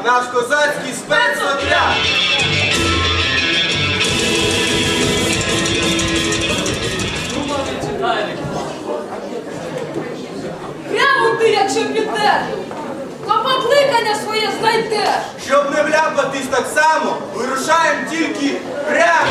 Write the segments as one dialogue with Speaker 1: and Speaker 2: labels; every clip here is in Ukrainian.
Speaker 1: наш козацький спецотряд.
Speaker 2: Прямо ти, якщо підеш, то покликання своє знайдеш.
Speaker 1: Щоб не вляпатись так само, вирушаємо тільки прямо.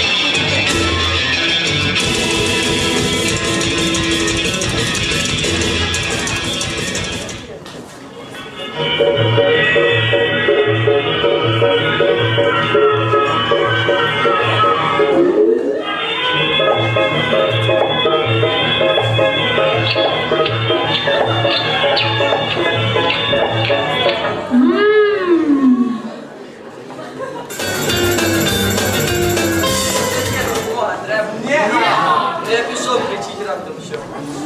Speaker 3: Я пішов кричить раптом що.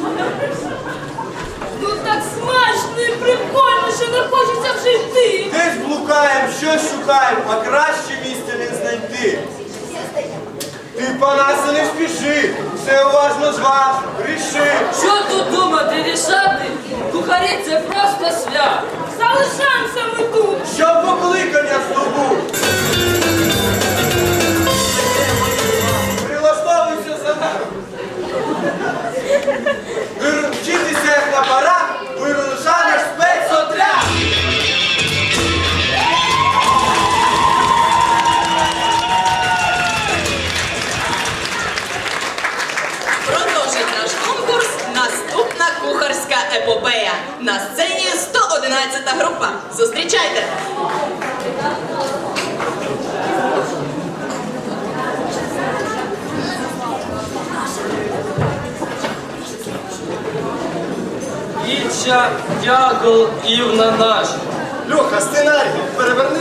Speaker 2: Ну так смачно і прикольно, що не хочеться вже йти.
Speaker 1: Десь блукаємо, щось шукаємо, а краще місця не знайти. Ти, Панасе, не спіши, все уважно зваж, ріши.
Speaker 3: Що тут думати, рішати? Кухарі це просто свят.
Speaker 2: Залишаємося ми тут.
Speaker 1: Щоб покликання здобув. Прилаштовуйся за нами. Вчитися як на парад, вирушає наш спецотряд.
Speaker 4: Продовжить наш конкурс наступна кухарська епопея. На сцені 111-та група. Зустрічайте!
Speaker 3: Іча, дягол, івна наш.
Speaker 1: Льоха, сценарій, переверни.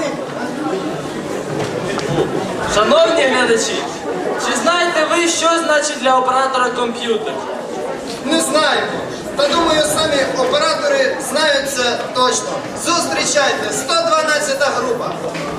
Speaker 3: Шановні глядачі, чи знаєте ви, що значить для оператора комп'ютер?
Speaker 5: Не знаємо. Та думаю, самі оператори знають це точно. Зустрічайте, 112-та група.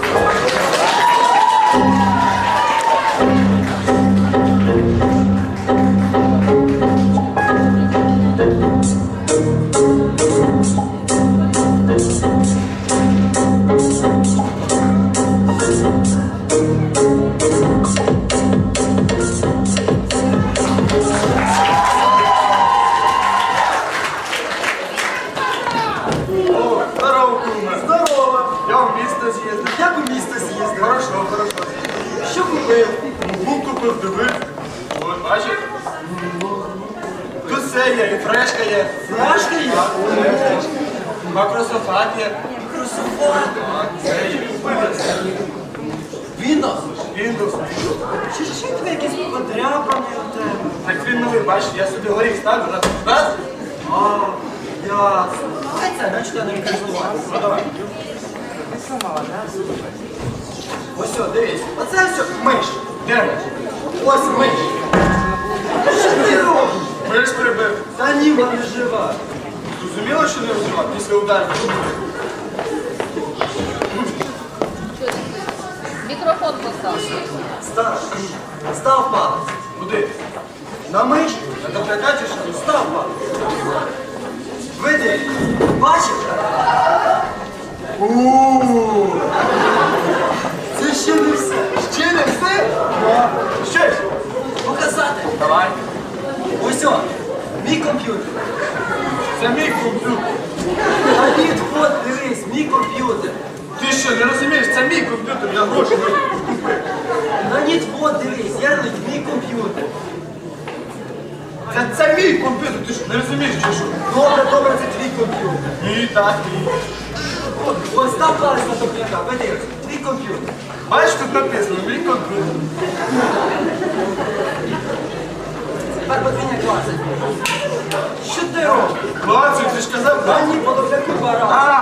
Speaker 1: Здорово, куме. Здорово. Я в місто з'їздив. Як у місто з'їздив? Хорошо, хорошо. Що купив? Був купив, дивив. От, бачиш? Тут все є, і фрешка є. Фрешка є? Макрософат є. Макрософат? Так, це є. Windows? Windows. Що тебе якісь подряпані у тебе? Так він новий, бачиш, я собі горіх ставлю, раз. А, ясно. Хай це, значить я не користуватися. Ну давай. Ось, о, дивись. Оце все миш. Де миш? Ось миш. Що ти робиш? Миш прибив. Та ні, вона не жива. Зрозуміло, що не жива? Після удару.
Speaker 2: Мікрофон постав.
Speaker 1: Став палець. Куди? На миш? На доплякаті, що став палець. Види, бачиш? Це ще не все. Ще не все? Що ж? Показати. Давай. Ось о, мій комп'ютер. Це мій комп'ютер. А ні, от, дивись, мій комп'ютер. Ти що, не розумієш, це мій комп'ютер, я гроші не купив. На ні, от, дивись, Ярлик, мій комп'ютер. Це мій комп'ютер, ти що, не розумієш, чи що? Добре, це твій комп'ютер. Ні, так, ні. Ось став палець на топляка, подивись, твій комп'ютер. Бачиш, тут написано, мій комп'ютер. Тепер подвійня клацать. Що ти робиш? Клацать, ти ж казав, так? Ні, по топляку пора.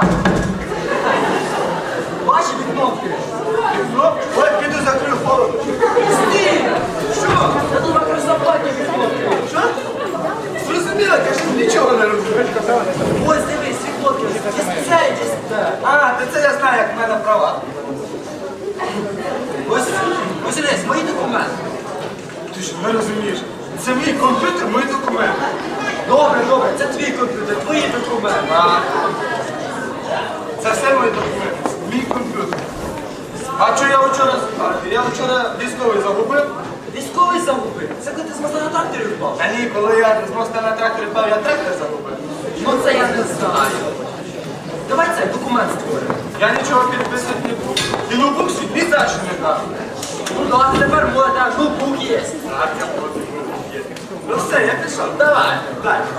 Speaker 1: Бачиш кнопки? Кнопки? Ой, піду закрию холодно. Стій! Що? Я тут макрософатні кнопки. Що? Зрозуміло, кажу, нічого не розумієш. Ось дивись, ці кнопки. А, це я знаю, як в мене права. Ось дивись, мої документи. Ти що, не розумієш? Це мій комп'ютер, мої документи. Добре, це твій комп'ютер, твої документи. Це все мої документи. Мій комп'ютер. А що я вчора військовий загубив?
Speaker 3: Військовий загубив. Це коли ти з моста на тракторі впав.
Speaker 1: А ні, коли я з моста на тракторі впав, я трактор загубив.
Speaker 3: Ну це я не знаю. Давай цей документ створимо.
Speaker 1: Я нічого підписати не буду. І ноутбук свій ні за що не дав.
Speaker 3: Ну да, тепер можна, ноутбук є.
Speaker 1: Так, я проти ноутбук є. Ну все, я пішов.
Speaker 3: Давай.
Speaker 1: Так.